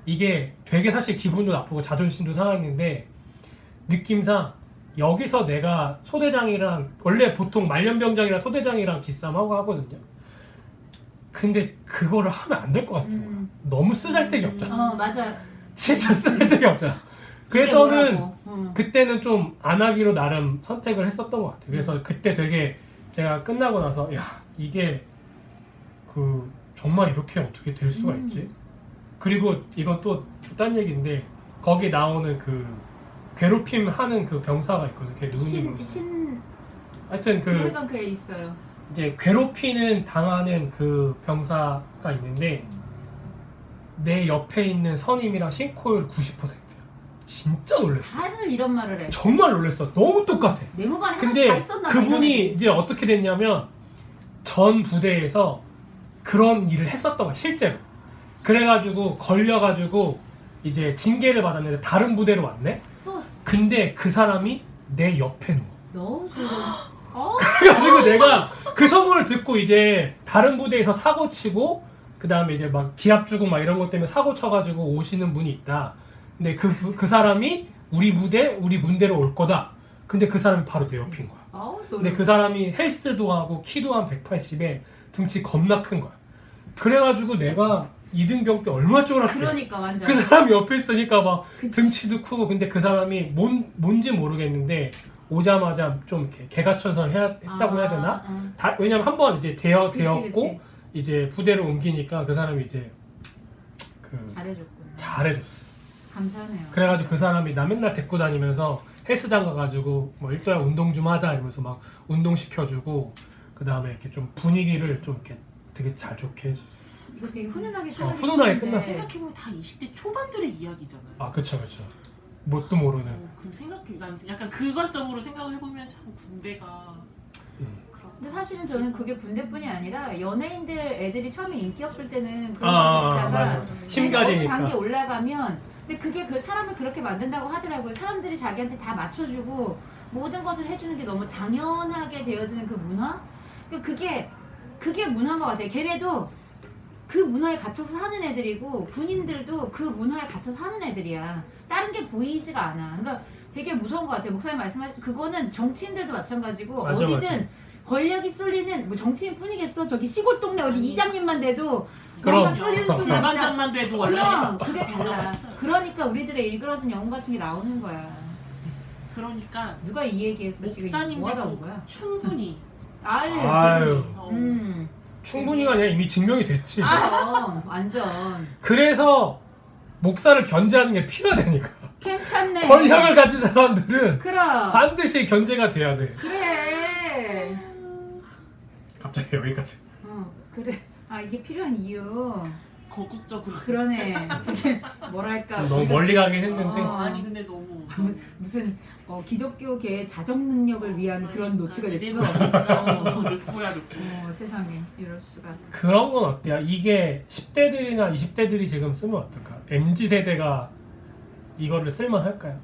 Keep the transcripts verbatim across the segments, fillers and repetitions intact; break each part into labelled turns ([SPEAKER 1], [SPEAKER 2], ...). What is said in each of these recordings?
[SPEAKER 1] 이게 되게 사실 기분도 나쁘고 자존심도 상했는데 느낌상 여기서 내가 소대장이랑 원래 보통 말년병장이랑 소대장이랑 기싸움하고 하거든요. 근데 그거를 하면 안 될 것 같은 거야.
[SPEAKER 2] 음.
[SPEAKER 1] 너무 쓰잘데기 없잖아.
[SPEAKER 2] 어 맞아.
[SPEAKER 1] 진짜 쓰잘데기 없잖아. 그래서는
[SPEAKER 2] 음.
[SPEAKER 1] 그때는 좀 안 하기로 나름 선택을 했었던 것 같아요. 그래서 그때 되게 제가 끝나고 나서 야 이게 그 정말 이렇게 어떻게 될 수가
[SPEAKER 2] 음.
[SPEAKER 1] 있지? 그리고 이건 또 딴 얘기인데 거기 나오는 그 괴롭힘 하는 그 병사가 있거든. 걔 누군지
[SPEAKER 2] 신,
[SPEAKER 1] 모르겠어.
[SPEAKER 2] 신,
[SPEAKER 1] 하여튼 그
[SPEAKER 2] 하여간 그에 있어요.
[SPEAKER 1] 이제 괴롭히는 당하는 그 병사가 있는데 내 옆에 있는 선임이랑 싱크로율 구십 퍼센트야. 진짜 놀랬어.
[SPEAKER 2] 다들 이런 말을 해.
[SPEAKER 1] 정말 놀랬어. 너무 똑같아.
[SPEAKER 2] 네모반에 하나씩 다
[SPEAKER 1] 근데
[SPEAKER 2] 있었나 봐, 이런
[SPEAKER 1] 그분이
[SPEAKER 2] 애들이.
[SPEAKER 1] 이제 어떻게 됐냐면 전 부대에서 그런 일을 했었던 거야 실제로. 그래가지고 걸려가지고 이제 징계를 받았는데 다른 부대로 왔네.
[SPEAKER 2] 또
[SPEAKER 1] 근데 그 사람이 내 옆에 누워.
[SPEAKER 2] 너무 싫어. 어?
[SPEAKER 1] 그래가지고 내가 그 소문을 듣고 이제 다른 부대에서 사고 치고 그 다음에 이제 막 기합 주고 막 이런 것 때문에 사고 쳐가지고 오시는 분이 있다. 근데 그, 그 사람이 우리 부대, 우리 문대로 올 거다. 근데 그 사람이 바로 내 옆인 거야.
[SPEAKER 2] 아우
[SPEAKER 1] 근데
[SPEAKER 2] 소름.
[SPEAKER 1] 그 사람이 헬스도 하고 키도 한 백팔십에 등치 겁나 큰 거야. 그래가지고 내가 이등병 때 얼마나 쫄았대.
[SPEAKER 2] 그러니까 완전.
[SPEAKER 1] 그 사람이 옆에 있으니까 막
[SPEAKER 2] 그치.
[SPEAKER 1] 등치도 크고 근데 그 사람이 뭔, 뭔지 모르겠는데 오자마자 좀 이렇게 개가천선 해야, 했다고 해야 되나?
[SPEAKER 2] 아, 아.
[SPEAKER 1] 다, 왜냐면 한 번 이제 되어,
[SPEAKER 2] 그치,
[SPEAKER 1] 되었고
[SPEAKER 2] 그치.
[SPEAKER 1] 이제 부대로 옮기니까 그 사람이 이제 그
[SPEAKER 2] 잘해줬구나.
[SPEAKER 1] 잘해줬어.
[SPEAKER 2] 감사하네요.
[SPEAKER 1] 그래가지고 그 사람이 나 맨날 데리고 다니면서 헬스장 가가지고 뭐 일도야 운동 좀 하자 이러면서 막 운동 시켜주고 그 다음에 이렇게 좀 분위기를 좀 이렇게 되게 잘 좋게 해줘.
[SPEAKER 2] 이거 되게 훈훈하게
[SPEAKER 1] 어, 훈훈하게
[SPEAKER 2] 끝났는데.
[SPEAKER 1] 끝났어.
[SPEAKER 3] 생각해보면 다 이십 대 초반들의 이야기잖아요.
[SPEAKER 1] 아 그쵸 그쵸. 뭣도 모르는.
[SPEAKER 3] 어, 그럼 생각해, 난 약간 그 관점으로 생각을 해보면 참 군대가
[SPEAKER 1] 음.
[SPEAKER 3] 그런.
[SPEAKER 2] 근데 사실은 저는 그게 군대뿐이 아니라 연예인들 애들이 처음에 인기 없을 때는 그런
[SPEAKER 1] 아,
[SPEAKER 2] 거
[SPEAKER 1] 아,
[SPEAKER 2] 있다가
[SPEAKER 1] 맞아, 맞아.
[SPEAKER 2] 어느
[SPEAKER 1] 힘가지니까.
[SPEAKER 2] 단계 올라가면 근데 그게 그 사람을 그렇게 만든다고 하더라고요. 사람들이 자기한테 다 맞춰주고 모든 것을 해주는 게 너무 당연하게 되어지는 그 문화? 그러니까 그게 그게 문화인 것 같아요. 걔네도 그 문화에 갇혀서 사는 애들이고 군인들도 그 문화에 갇혀서 사는 애들이야. 다른 게 보이지가 않아. 그러니까 되게 무서운 것 같아요. 목사님 말씀하신 그거는 정치인들도 마찬가지고
[SPEAKER 1] 맞아,
[SPEAKER 2] 어디든
[SPEAKER 1] 맞아.
[SPEAKER 2] 권력이 쏠리는 뭐 정치인뿐이겠어. 저기 시골 동네 어디
[SPEAKER 3] 아니.
[SPEAKER 2] 이장님만 돼도
[SPEAKER 1] 그럼.
[SPEAKER 2] 뭔가 쏠리는 순간 딱
[SPEAKER 3] 불만장만 돼도 원래
[SPEAKER 2] 그럼 그게 달라.
[SPEAKER 3] 올라갔어요.
[SPEAKER 2] 그러니까 우리들의 일그러진 영웅 같은 게 나오는 거야.
[SPEAKER 3] 그러니까
[SPEAKER 2] 누가 이 얘기했어? 지금 뭐 하다 온
[SPEAKER 3] 목사님들도
[SPEAKER 2] 거야?
[SPEAKER 3] 충분히
[SPEAKER 2] 아유.
[SPEAKER 1] 아유.
[SPEAKER 3] 어,
[SPEAKER 2] 음.
[SPEAKER 1] 충분히가 아니라 이미 증명이 됐지.
[SPEAKER 2] 아, 완전
[SPEAKER 1] 그래서 목사를 견제하는 게 필요하다니까.
[SPEAKER 2] 괜찮네.
[SPEAKER 1] 권력을 가진 사람들은
[SPEAKER 2] 그럼.
[SPEAKER 1] 반드시 견제가 돼야 돼.
[SPEAKER 2] 그래.
[SPEAKER 1] 갑자기 여기까지.
[SPEAKER 2] 어, 그래. 아 이게 필요한 이유.
[SPEAKER 3] 거국적으로.
[SPEAKER 2] 그러네. 되게 뭐랄까.
[SPEAKER 1] 너무
[SPEAKER 2] 우리가-
[SPEAKER 1] 멀리 가긴 했는데.
[SPEAKER 2] 어.
[SPEAKER 3] 아니 근데 너무
[SPEAKER 2] 무슨 어, 기독교계의 자정 능력을 위한 그런 노트가 됐어.
[SPEAKER 3] 어, 르포야 르포.
[SPEAKER 2] 어, 세상에 이럴 수가.
[SPEAKER 1] 그런 건 어때요? 이게 십 대들이나 이십 대들이 지금 쓰면 어떨까? 엠지 세대가 이거를 쓸만할까요?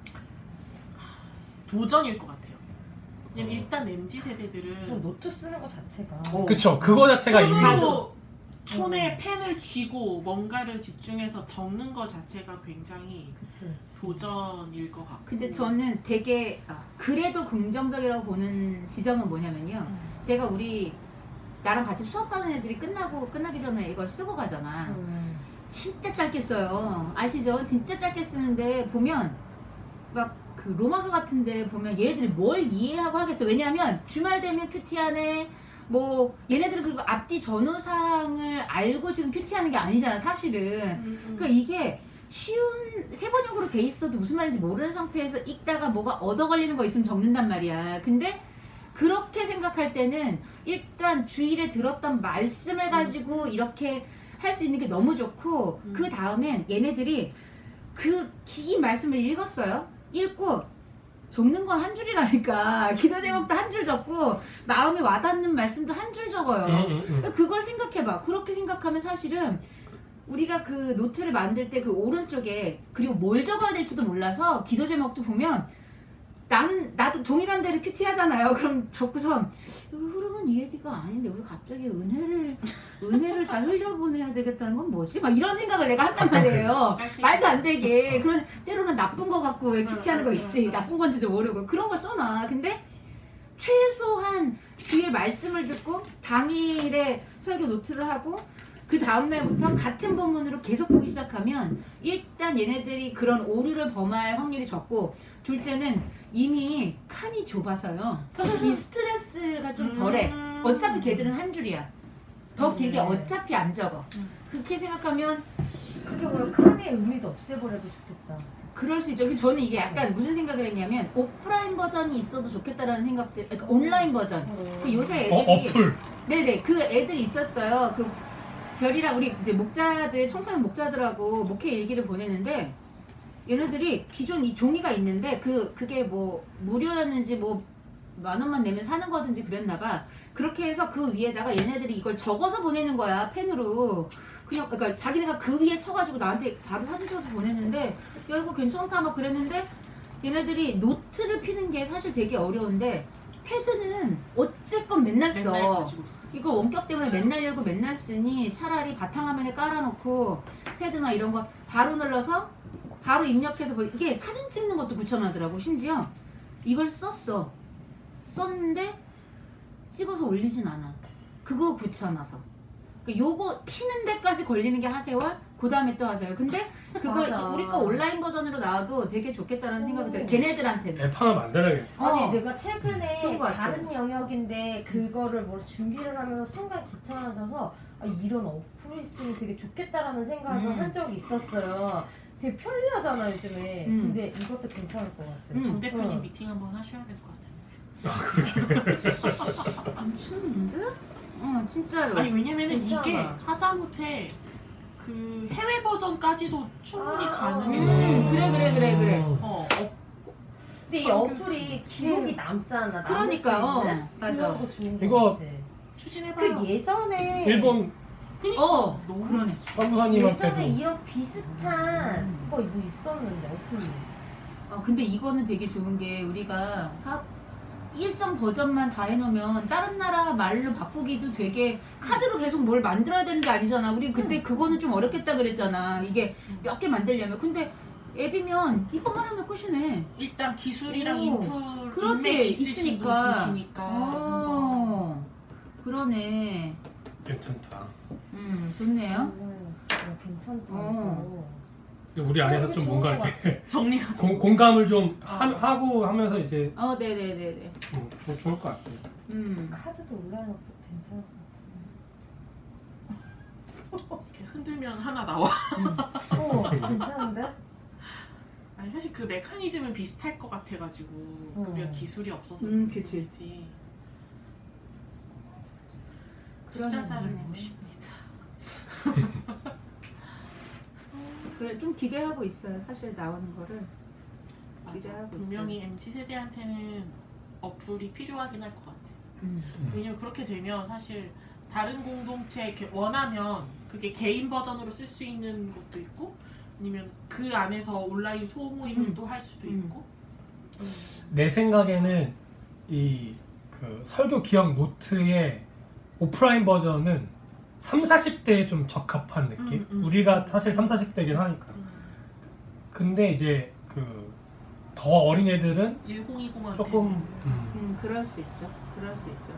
[SPEAKER 3] 도전일 것 같아요. 왜냐면
[SPEAKER 1] 어.
[SPEAKER 3] 일단 엠지 세대들은
[SPEAKER 4] 노트 쓰는 거 자체가
[SPEAKER 3] 어.
[SPEAKER 1] 그쵸. 그거 자체가 이미
[SPEAKER 3] 손으로 손에 펜을 쥐고 뭔가를 집중해서 적는 거 자체가 굉장히
[SPEAKER 4] 그치.
[SPEAKER 3] 도전일 것 같고.
[SPEAKER 2] 근데 저는 되게 아, 그래도 긍정적이라고 보는 지점은 뭐냐면요. 제가 우리 나랑 같이 수업하는 애들이 끝나고 끝나기 전에 이걸 쓰고 가잖아.
[SPEAKER 4] 음.
[SPEAKER 2] 진짜 짧게 써요. 아시죠? 진짜 짧게 쓰는데 보면 막 그 로마서 같은데 보면 얘네들이 뭘 이해하고 하겠어. 왜냐하면 주말 되면 큐티하네. 뭐 얘네들은 그리고 앞뒤 전후 사항을 알고 지금 큐티하는 게 아니잖아 사실은.
[SPEAKER 3] 음, 음.
[SPEAKER 2] 그러니까 이게 쉬운 세번역으로 돼 있어도 무슨 말인지 모르는 상태에서 읽다가 뭐가 얻어 걸리는 거 있으면 적는단 말이야. 근데 그렇게 생각할 때는 일단 주일에 들었던 말씀을 가지고 이렇게 할 수 있는 게 너무 좋고
[SPEAKER 3] 음.
[SPEAKER 2] 그 다음엔 얘네들이 그 긴 말씀을 읽었어요. 읽고 적는 건 한 줄이라니까. 기도 제목도 한 줄 적고 마음에 와닿는 말씀도 한 줄 적어요.
[SPEAKER 1] 음, 음, 음.
[SPEAKER 2] 그러니까 그걸 생각해봐. 그렇게 생각하면 사실은 우리가 그 노트를 만들 때 그 오른쪽에 그리고 뭘 적어야 될지도 몰라서 기도 제목도 보면 나는 나도 동일한 데를 큐티 하잖아요. 그럼 적고서 여기 흐름은 이 얘기가 아닌데 여기서 갑자기 은혜를 은혜를 잘 흘려보내야 되겠다는 건 뭐지? 막 이런 생각을 내가 한단 말이에요. 말도 안 되게. 그런 때로는 나쁜 거 갖고 왜 큐티하는 거 있지. 나쁜 건지도 모르고 그런 걸 써놔. 근데 최소한 뒤에 말씀을 듣고 당일에 설교 노트를 하고 그 다음날부터 같은 본문으로 계속 보기 시작하면 일단 얘네들이 그런 오류를 범할 확률이 적고, 둘째는 이미 칸이 좁아서요. 이 스트레스가 좀 덜해. 어차피 걔들은 한 줄이야. 더 길게 어차피 안 적어. 그렇게 생각하면
[SPEAKER 4] 그게 뭐야, 칸의 의미도 없애버려도 좋겠다.
[SPEAKER 2] 그럴 수 있죠. 저는 이게 약간 무슨 생각을 했냐면 오프라인 버전이 있어도 좋겠다라는 생각들, 그러니까 온라인 버전. 그 요새
[SPEAKER 1] 어,
[SPEAKER 2] 애들이
[SPEAKER 1] 어플.
[SPEAKER 2] 네네 그 애들이 있었어요. 그 별이랑 우리 이제 목자들 청소년 목자들하고 목회 일기를 보내는데 얘네들이 기존 이 종이가 있는데 그 그게 뭐 무료였는지 뭐 만 원만 내면 사는 거든지 그랬나봐. 그렇게 해서 그 위에다가 얘네들이 이걸 적어서 보내는 거야, 펜으로. 그냥 그러니까 자기네가 그 위에 쳐가지고 나한테 바로 사진 찍어서 보냈는데 야 이거 괜찮다 막 그랬는데 얘네들이 노트를 피는 게 사실 되게 어려운데 패드는 어쨌건 맨날 써.
[SPEAKER 3] 맨날 가지고 있어.
[SPEAKER 2] 이거 원격 때문에 맨날 열고 맨날 쓰니 차라리 바탕화면에 깔아놓고 패드나 이런 거 바로 눌러서 바로 입력해서 뭐 이게 사진 찍는 것도 붙여놔더라고. 심지어 이걸 썼어. 썼는데 찍어서 올리진 않아. 그거 붙여놔서. 그러니까 요거 피는 데까지 걸리는 게 하세월, 그 다음에 또 하세요. 근데 그거
[SPEAKER 4] 맞아.
[SPEAKER 2] 우리 거 온라인 버전으로 나와도 되게 좋겠다라는 생각이 들어요. 걔네들한테는.
[SPEAKER 1] 앱 하나 만들어야겠다.
[SPEAKER 4] 아니
[SPEAKER 2] 어.
[SPEAKER 4] 내가 최근에
[SPEAKER 2] 좋은 것 같아요.
[SPEAKER 4] 다른 영역인데 그거를 뭐 준비를 하면서 순간 귀찮아져서 아, 이런 어플이 있으면 되게 좋겠다라는 생각을
[SPEAKER 2] 음.
[SPEAKER 4] 한 적이 있었어요. 되게 편리하잖아 요즘에.
[SPEAKER 2] 음.
[SPEAKER 4] 근데 이것도 괜찮을 것 같아.
[SPEAKER 2] 음.
[SPEAKER 3] 정 대표님
[SPEAKER 4] 어.
[SPEAKER 3] 미팅 한번 하셔야 될 것 같은데.
[SPEAKER 2] 미쳤는데? 어 진짜로.
[SPEAKER 3] 아니 왜냐면은
[SPEAKER 4] 괜찮아.
[SPEAKER 3] 이게 하다못해 그 해외 버전까지도 충분히
[SPEAKER 4] 아,
[SPEAKER 3] 가능해서
[SPEAKER 2] 음, 그래 그래 그래 그래.
[SPEAKER 3] 어, 어
[SPEAKER 4] 근데 이
[SPEAKER 3] 성격지.
[SPEAKER 4] 어플이 기록이 남잖아. 남을
[SPEAKER 2] 그러니까,
[SPEAKER 4] 수 있는?
[SPEAKER 2] 어, 맞아.
[SPEAKER 4] 그런 거 좋은
[SPEAKER 1] 이거
[SPEAKER 4] 것 같아.
[SPEAKER 3] 추진해봐요.
[SPEAKER 4] 그 예전에
[SPEAKER 1] 일본
[SPEAKER 3] 그니까
[SPEAKER 2] 어
[SPEAKER 3] 너무
[SPEAKER 2] 그러네.
[SPEAKER 4] 예전에
[SPEAKER 1] 선부사님한테도
[SPEAKER 4] 이런 비슷한
[SPEAKER 2] 음.
[SPEAKER 4] 거 이거 있었는데 어플이.
[SPEAKER 2] 어 근데 이거는 되게 좋은 게 우리가 하, 일정 버전만 다 해놓으면 다른 나라 말로 바꾸기도 되게 카드로 계속 뭘 만들어야 되는 게 아니잖아. 우리 그때 그거는 좀 어렵겠다 그랬잖아. 이게 몇 개 만들려면. 근데 앱이면 이것만 하면 끝이네.
[SPEAKER 3] 일단 기술이랑
[SPEAKER 2] 오,
[SPEAKER 3] 인풀
[SPEAKER 2] 그렇지,
[SPEAKER 3] 인맥이 있으신
[SPEAKER 2] 있으니까.
[SPEAKER 3] 분이시니까
[SPEAKER 2] 어 그러네.
[SPEAKER 1] 괜찮다.
[SPEAKER 2] 음 좋네요.
[SPEAKER 4] 음, 어, 괜찮다.
[SPEAKER 2] 어.
[SPEAKER 1] 근데 우리 안에서
[SPEAKER 4] 어,
[SPEAKER 1] 좀
[SPEAKER 4] 이게
[SPEAKER 1] 뭔가
[SPEAKER 4] 좋은
[SPEAKER 1] 이렇게
[SPEAKER 3] 정리가
[SPEAKER 1] 공, 공감을 좀
[SPEAKER 3] 어.
[SPEAKER 1] 하, 하고 하면서 이제
[SPEAKER 2] 어 네네네네.
[SPEAKER 1] 음, 좋, 좋을 것 같아요.
[SPEAKER 2] 음.
[SPEAKER 4] 카드도 온라인 어플 괜찮을 것
[SPEAKER 3] 이렇게 흔들면 하나 나와.
[SPEAKER 4] 같아. 어, 괜찮은데?
[SPEAKER 3] 아니 사실 그 메커니즘은 비슷할 것 같아가지고
[SPEAKER 4] 어.
[SPEAKER 3] 우리가 기술이 없어서
[SPEAKER 2] 음, 그치.
[SPEAKER 3] 그렇지.
[SPEAKER 2] 그러네.
[SPEAKER 3] 투자자를 모십니다.
[SPEAKER 2] 그래 좀 기대하고 있어요. 사실 나오는 거를.
[SPEAKER 3] 맞아.
[SPEAKER 2] 기대하고
[SPEAKER 3] 분명히 엠지 세대한테는 어플이 필요하긴 할 것 같아.
[SPEAKER 2] 음.
[SPEAKER 3] 왜냐면 그렇게 되면 사실 다른 공동체 이렇게 원하면 그게 개인 버전으로 쓸 수 있는 것도 있고 아니면 그 안에서 온라인 소모임을
[SPEAKER 2] 음.
[SPEAKER 3] 또 할 수도
[SPEAKER 2] 음.
[SPEAKER 3] 있고. 음.
[SPEAKER 1] 내 생각에는 이 그 설교 기억 노트의 오프라인 버전은 삼, 사십 대에 좀 적합한 느낌?
[SPEAKER 3] 음, 음.
[SPEAKER 1] 우리가 사실 삼, 사십 대긴 하니까.
[SPEAKER 3] 음.
[SPEAKER 1] 근데 이제 그 더 어린 애들은
[SPEAKER 3] 천이십한테
[SPEAKER 1] 조금 음,
[SPEAKER 2] 음, 그럴 수 있죠. 그럴 수 있죠.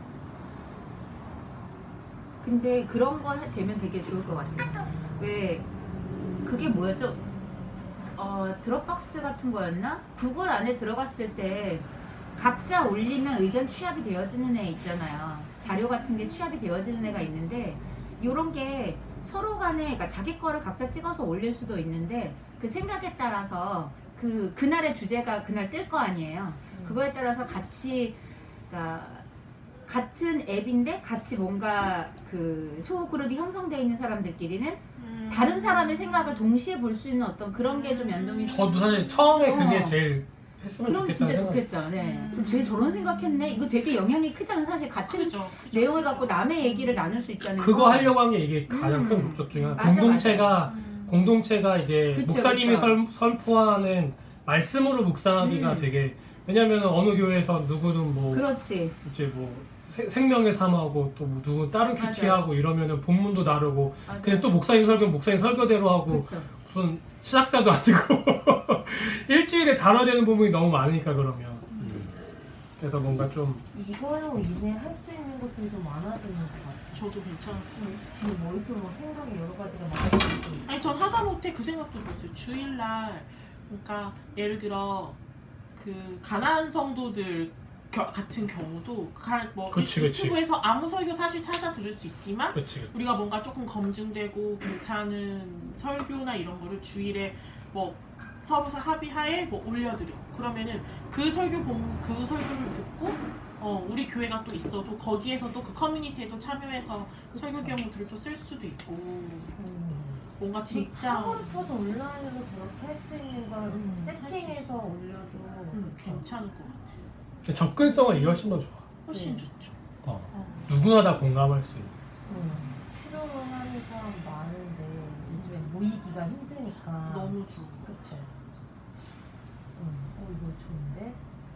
[SPEAKER 2] 근데 그런 거 해- 되면 되게 좋을 것 같아요. 왜 그게 뭐였죠? 어, 드롭박스 같은 거였나? 구글 안에 들어갔을 때 각자 올리면 의견 취합이 되어지는 애 있잖아요. 자료 같은 게 취합이 되어지는 애가 있는데 요런 게 서로 간에 그러니까 자기 거를 각자 찍어서 올릴 수도 있는데 그 생각에 따라서 그 그날의 주제가 그날 뜰 거 아니에요. 그거에 따라서 같이 그러니까 같은 앱인데 같이 뭔가 그 소그룹이 형성되어 있는 사람들끼리는
[SPEAKER 3] 음.
[SPEAKER 2] 다른 사람의 생각을 동시에 볼 수 있는 어떤 그런 게 좀 연동이
[SPEAKER 1] 저도 사실 처음에 그게
[SPEAKER 2] 어.
[SPEAKER 1] 제일 했으면
[SPEAKER 2] 그럼
[SPEAKER 1] 좋겠다는
[SPEAKER 2] 진짜
[SPEAKER 1] 생각.
[SPEAKER 2] 좋겠죠. 네.
[SPEAKER 3] 음.
[SPEAKER 2] 그럼 쟤 저런 생각했네. 이거 되게 영향이 크잖아. 사실 같은
[SPEAKER 3] 그죠, 그죠,
[SPEAKER 2] 내용을
[SPEAKER 3] 그죠.
[SPEAKER 2] 갖고 남의 얘기를 나눌 수 있잖아요.
[SPEAKER 1] 그거 하려고 한 게 이게 가장
[SPEAKER 2] 음.
[SPEAKER 1] 큰 목적 중에 하나.
[SPEAKER 2] 맞아,
[SPEAKER 1] 공동체가
[SPEAKER 3] 음.
[SPEAKER 1] 공동체가 이제
[SPEAKER 2] 그쵸,
[SPEAKER 1] 목사님이
[SPEAKER 2] 그쵸.
[SPEAKER 1] 설, 설포하는 말씀으로 묵상하기가
[SPEAKER 2] 음.
[SPEAKER 1] 되게 왜냐면 어느 교회에서 누구든 뭐
[SPEAKER 2] 그렇지.
[SPEAKER 1] 이제 뭐 세- 생명의 삶하고 또 뭐 누군 다른
[SPEAKER 2] 맞아요.
[SPEAKER 1] 큐티하고 이러면은 본문도 다르고
[SPEAKER 2] 맞아요.
[SPEAKER 1] 그냥 또 목사님 설교는 목사님 설교대로 하고
[SPEAKER 2] 그렇죠.
[SPEAKER 1] 무슨 신학자도 아니고 일주일에 다뤄야 되는 부분이 너무 많으니까 그러면 그래서 뭔가 좀
[SPEAKER 4] 이걸로 인해 할 수 있는 것들이 좀 많아지는 것 같아요.
[SPEAKER 3] 저도 괜찮아요.
[SPEAKER 4] 지금 머릿속에 막 생각이 여러 가지가 많아지고 있어요.
[SPEAKER 3] 아니 전 하다못해 그 생각도 들었어요. 주일날 그러니까 예를 들어 그 가난한 성도들 겨- 같은 경우도 가, 뭐
[SPEAKER 1] 그치, 그치.
[SPEAKER 3] 유튜브에서 아무 설교 사실 찾아 들을 수 있지만
[SPEAKER 1] 그치
[SPEAKER 3] 우리가 뭔가 조금 검증되고 괜찮은 설교나 이런 거를 주일에 뭐 서로 합의하에 뭐 올려드려. 그러면은 그 설교 본, 그 설교를 듣고 어 우리 교회가 또 있어도 거기에서 또 그 커뮤니티에도 참여해서 설교 경우들을 또 쓸 수도 있고
[SPEAKER 4] 음.
[SPEAKER 3] 뭔가 진짜
[SPEAKER 4] 학원터도 온라인으로 저렇게 할 수 있는 걸
[SPEAKER 3] 음,
[SPEAKER 4] 세팅해서 올려도
[SPEAKER 3] 음, 괜찮을 것 같아요.
[SPEAKER 1] 접근성은 이게 훨씬 더 좋아.
[SPEAKER 3] 훨씬
[SPEAKER 4] 네.
[SPEAKER 3] 좋죠.
[SPEAKER 1] 어.
[SPEAKER 3] 어.
[SPEAKER 1] 누구나 다 공감할 수 있는.
[SPEAKER 4] 음. 필요로 하는 사람 많은데 요즘에 모이기가 힘드니까
[SPEAKER 3] 너무 좋아.
[SPEAKER 4] 그쵸. 음. 어 이거 좋은데?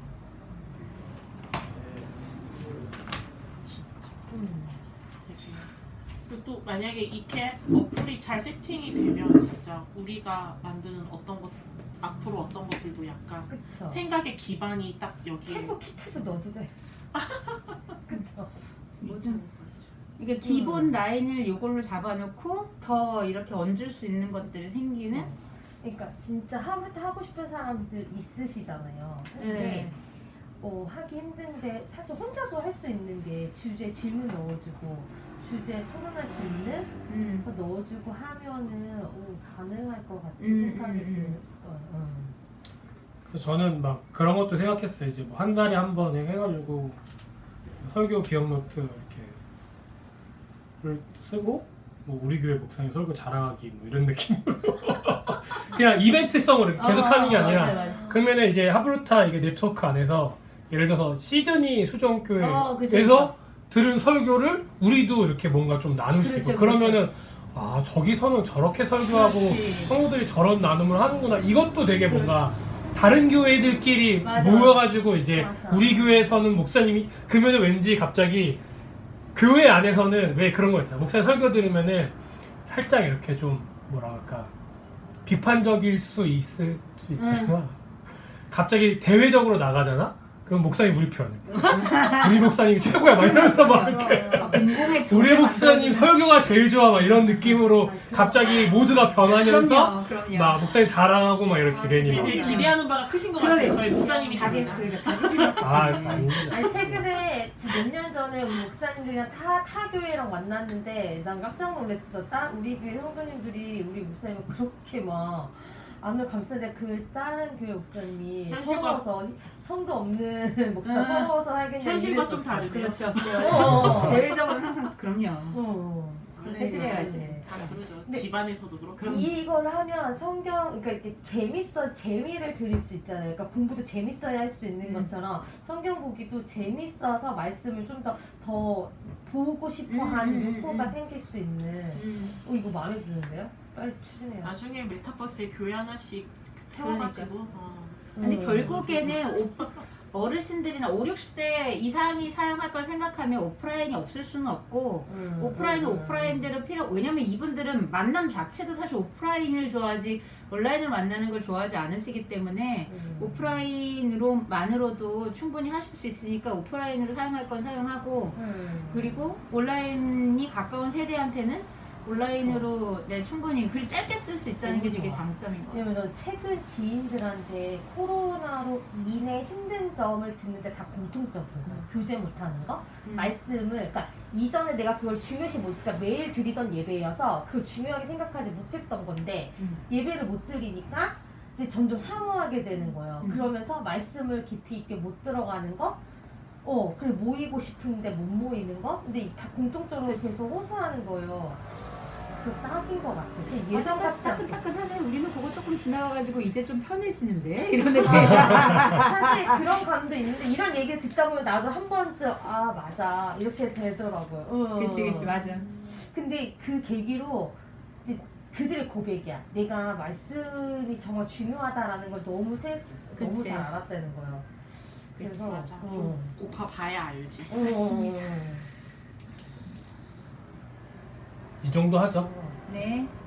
[SPEAKER 3] 진짜.
[SPEAKER 4] 음.
[SPEAKER 3] 되게. 그리고 또 만약에 이렇게 어플이 잘 세팅이 되면 진짜 우리가 만드는 어떤 것 앞으로 어떤 것들도 약간
[SPEAKER 4] 그쵸.
[SPEAKER 3] 생각의 기반이 딱 여기에
[SPEAKER 4] 캠프 키트도 넣어도 돼. 그쵸.
[SPEAKER 3] 괜찮을 것
[SPEAKER 2] 이게 기본
[SPEAKER 4] 음.
[SPEAKER 2] 라인을 이걸로 잡아놓고 더 이렇게 얹을 수 있는 것들이 생기는.
[SPEAKER 4] 그러니까 진짜 하고 하고 싶은 사람들 있으시잖아요. 근데
[SPEAKER 2] 네.
[SPEAKER 4] 어, 하기 힘든데 사실 혼자도 할 수 있는 게 주제 질문 넣어주고 주제 토론할 수 있는
[SPEAKER 2] 음.
[SPEAKER 4] 거 넣어주고 하면은 오, 가능할 것 같은
[SPEAKER 2] 음,
[SPEAKER 4] 생각이
[SPEAKER 2] 음, 음.
[SPEAKER 4] 들어요. 음.
[SPEAKER 1] 그래서 저는 막 그런 것도 생각했어요. 이제 뭐 한 달에 한 번 해가지고 설교 기억 노트 이렇게를 쓰고 뭐 우리 교회 목사님 설교 자랑하기 뭐 이런 느낌으로 그냥 이벤트성으로 이렇게 계속
[SPEAKER 2] 어,
[SPEAKER 1] 하는 게 아니라
[SPEAKER 2] 맞아요, 맞아요.
[SPEAKER 1] 그러면은 이제 하브루타 이게 네트워크 안에서 예를 들어서 시드니 수정교회에서
[SPEAKER 2] 어, 그쵸, 그쵸.
[SPEAKER 1] 들은 설교를 우리도 이렇게 뭔가 좀 나눌 수
[SPEAKER 2] 그렇죠,
[SPEAKER 1] 있고 그러면은 아 저기서는 저렇게 설교하고
[SPEAKER 2] 그렇지.
[SPEAKER 1] 성도들이 저런 나눔을 하는구나 이것도 되게 뭔가 다른 교회들끼리
[SPEAKER 2] 맞아.
[SPEAKER 1] 모여가지고 이제
[SPEAKER 4] 맞아.
[SPEAKER 1] 우리 교회에서는 목사님이 그러면은 왠지 갑자기 교회 안에서는 왜 그런 거 있잖아 목사님 설교 들으면은 살짝 이렇게 좀 뭐라 할까 비판적일 수 있을 수 있지만 갑자기 대외적으로 나가잖아 그럼 목사님 우리 편 우리 목사님이 최고야 막 이러면서 막 이렇게
[SPEAKER 2] 공공의
[SPEAKER 1] 우리 목사님 설교가 제일 좋아 막 이런 느낌으로 갑자기 모두가 변하면서
[SPEAKER 2] 그럼요, 그럼요.
[SPEAKER 1] 막 목사님 자랑하고 막 이렇게 괜히 막
[SPEAKER 3] 되게 기대하는 바가 크신 것
[SPEAKER 2] 그러게.
[SPEAKER 3] 같아요. 저희
[SPEAKER 2] 자기
[SPEAKER 3] 목사님이십니다.
[SPEAKER 2] 그러니까 자기 생각.
[SPEAKER 1] 아 아닙니다.
[SPEAKER 4] 아니 최근에 몇 년 전에 우리 목사님들이랑 타, 타 교회랑 만났는데 난 깜짝 놀랐어. 따, 우리 교회 성도님들이 우리 목사님을 그렇게 막 안을 감싸는데 그 다른 교회 목사님이
[SPEAKER 3] 현실과-
[SPEAKER 4] 서러워서 성도 없는 목사
[SPEAKER 2] 음.
[SPEAKER 4] 서러워서 하겠냐
[SPEAKER 3] 현실과 좀
[SPEAKER 4] 이랬었어.
[SPEAKER 3] 다르네요.
[SPEAKER 2] 그렇죠.
[SPEAKER 4] 어.
[SPEAKER 2] 대외적으로 항상 그럼요.
[SPEAKER 4] 어.
[SPEAKER 2] 그렇게 해드려야지.
[SPEAKER 3] 다 그러죠.
[SPEAKER 4] 근데
[SPEAKER 3] 집안에서도 그렇고.
[SPEAKER 2] 그럼.
[SPEAKER 4] 이걸 하면 성경 그러니까 이렇게 재밌어 재미를 드릴 수 있잖아요. 그러니까 공부도 재밌어야 할 수 있는
[SPEAKER 2] 음.
[SPEAKER 4] 것처럼 성경 보기도 재밌어서 말씀을 좀 더 더 보고 싶어하는
[SPEAKER 2] 음, 음,
[SPEAKER 4] 욕구가
[SPEAKER 2] 음.
[SPEAKER 4] 생길 수 있는.
[SPEAKER 2] 음.
[SPEAKER 4] 어 이거 마음에 드는데요? 빨리 추진해요.
[SPEAKER 3] 나중에 메타버스에 교회 하나씩 세워가지고. 어.
[SPEAKER 2] 근데
[SPEAKER 4] 음.
[SPEAKER 2] 결국에는 오, 어르신들이나 오십, 육십 대 이상이 사용할 걸 생각하면 오프라인이 없을 수는 없고
[SPEAKER 4] 음,
[SPEAKER 2] 오프라인은
[SPEAKER 4] 음,
[SPEAKER 2] 오프라인대로 필요 왜냐면 이분들은 만남 자체도 사실 오프라인을 좋아하지 온라인을 만나는 걸 좋아하지 않으시기 때문에
[SPEAKER 4] 음.
[SPEAKER 2] 오프라인으로만으로도 충분히 하실 수 있으니까 오프라인으로 사용할 건 사용하고
[SPEAKER 4] 음.
[SPEAKER 2] 그리고 온라인이 가까운 세대한테는 온라인으로 네, 충분히 글 짧게 쓸 수 있다는 게
[SPEAKER 4] 너무
[SPEAKER 2] 되게
[SPEAKER 4] 좋아.
[SPEAKER 2] 장점인 것 같아요.
[SPEAKER 4] 왜냐면 저 최근 지인들한테 코로나로 인해 힘든 점을 듣는데 다 공통적인 거예요. 교제 못하는 거,
[SPEAKER 2] 음.
[SPEAKER 4] 말씀을 그러니까 이전에 내가 그걸 중요시 못, 그러니까 매일 드리던 예배여서 그걸 중요하게 생각하지 못했던 건데
[SPEAKER 2] 음.
[SPEAKER 4] 예배를 못 드리니까 이제 점점 사모하게 되는 거예요.
[SPEAKER 2] 음.
[SPEAKER 4] 그러면서 말씀을 깊이 있게 못 들어가는 거. 어, 그래 모이고 싶은데 못 모이는 거? 근데 다 공통적으로
[SPEAKER 2] 그치.
[SPEAKER 4] 계속 호소하는 거예요. 그래서 딱인 것 같아. 그래서
[SPEAKER 2] 아,
[SPEAKER 4] 예전 같지 않게.
[SPEAKER 2] 따끈따끈하네. 우리는 그거 조금 지나가가지고 이제 좀 편해지는데 이런 느낌.
[SPEAKER 4] 사실 그런 감도 있는데 이런 얘기를 듣다 보면 나도 한 번쯤 아 맞아 이렇게 되더라고요. 응.
[SPEAKER 2] 그치 그치 맞아.
[SPEAKER 4] 근데 그 계기로 이제 그들의 고백이야. 내가 말씀이 정말 중요하다라는 걸 너무 세, 너무
[SPEAKER 2] 그치.
[SPEAKER 4] 잘 알았다는 거예요. 그래서
[SPEAKER 3] 맞아.
[SPEAKER 4] 어.
[SPEAKER 3] 좀 꼭 봐봐야 알지.
[SPEAKER 4] 어, 어,
[SPEAKER 1] 이 정도 하죠.
[SPEAKER 4] 어.
[SPEAKER 2] 네.